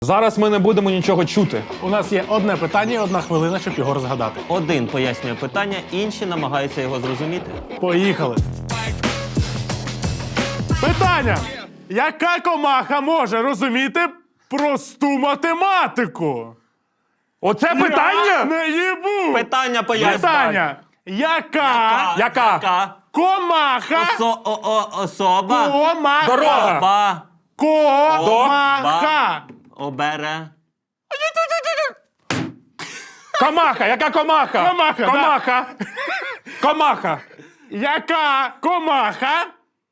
Зараз ми не будемо нічого чути. У нас є одне питання і 1 хвилина, щоб його розгадати. Один пояснює питання, інші намагаються його зрозуміти. Поїхали. Питання. Яка комаха може розуміти просту математику? Оце питання? Я не їбу! Питання пояснює. Питання. Яка комаха Особа. Дорога. Ба. комаха Обере. Комаха. Яка комаха? Комаха, да. Комаха. Комаха. Яка комаха?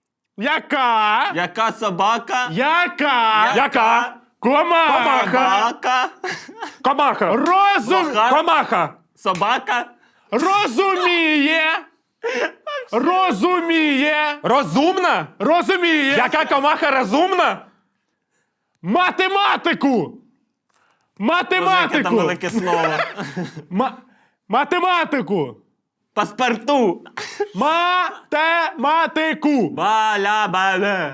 Яка собака? Яка? Комаха? Собака. Комаха. Блоха. Комаха. Собака. Розуміє. Розумна? Яка комаха розумна? Математику. Яке там велике слово. Математику. Паспорту. Математику. Баля-бале.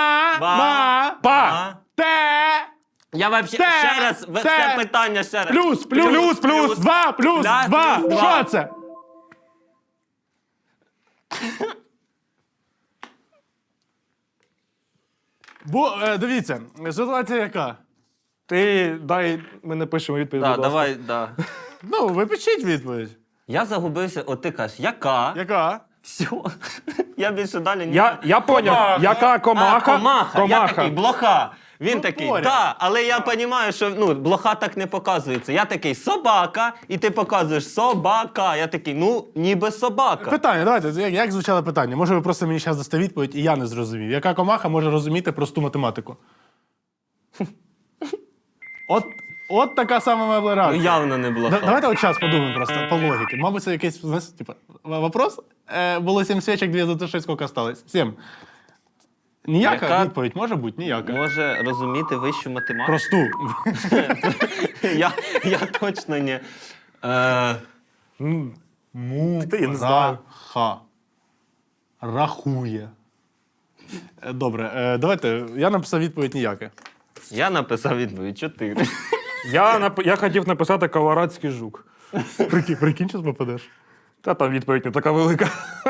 Па. Я вообще ще раз, це питання ще раз. Плюс. 2 плюс Да, 2. плюс два. Що це? Дивіться, ситуація яка? Ти дай, ми напишемо відповідь. Да, будь ласка. давай, да. Ну, ви пишіть відповідь. Я загубився, от ти кажеш, яка? Яка? Все. Я більше далі не... Я поняв. Яка комаха? Комаха. Я такий, блоха. Він такий, поряд. да, але я розумію, що блоха так не показується. Я такий, собака, і ти показуєш собака. Я такий, ніби собака. Питання, давайте, як звучало питання? Може, ви просто мені зараз дасте відповідь, і я не зрозумів. Яка комаха може розуміти просту математику? От така сама моя реакція. Явно не блоха. Давайте от час подумаємо просто по логіці. Мабуть, це якийсь, знаєш, типа, вопрос. Було 7 свічок, 2 затушить, скільки осталось? 7. Ніяка Яка? відповідь може бути? Ніяка. Може розуміти вищу математику? Просту. Я точно не. Ти не знаю. Рахує. Добре, давайте, я написав відповідь ніяка. Я написав відповідь 4. Я хотів написати колорадський жук. Прикинь, що попадеш. Та там відповідь не така велика.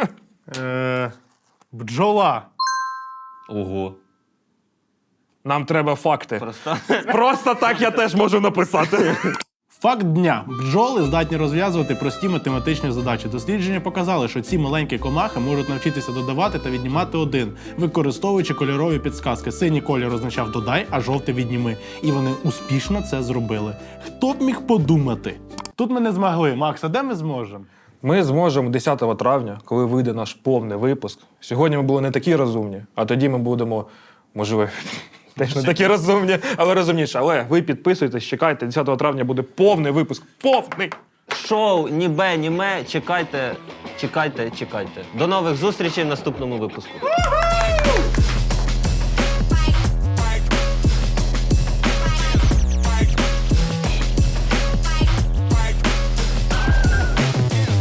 Бджола. Ого. Нам треба факти. Просто. Просто так я теж можу написати. Факт дня. Бджоли здатні розв'язувати прості математичні задачі. Дослідження показали, що ці маленькі комахи можуть навчитися додавати та віднімати 1, використовуючи кольорові підсказки. Синій колір означав «додай», а жовтий «відніми». І вони успішно це зробили. Хто б міг подумати? Тут ми не змогли. Макс, а де ми зможемо? Ми зможемо 10 травня, коли вийде наш повний випуск. Сьогодні ми були не такі розумні, а тоді ми будемо, можливо, теж не такі розумні, але розумніші. Але ви підписуйтесь, чекайте, 10 травня буде повний випуск. Повний! Шоу ні бе, ні ме. Чекайте. До нових зустрічей в наступному випуску.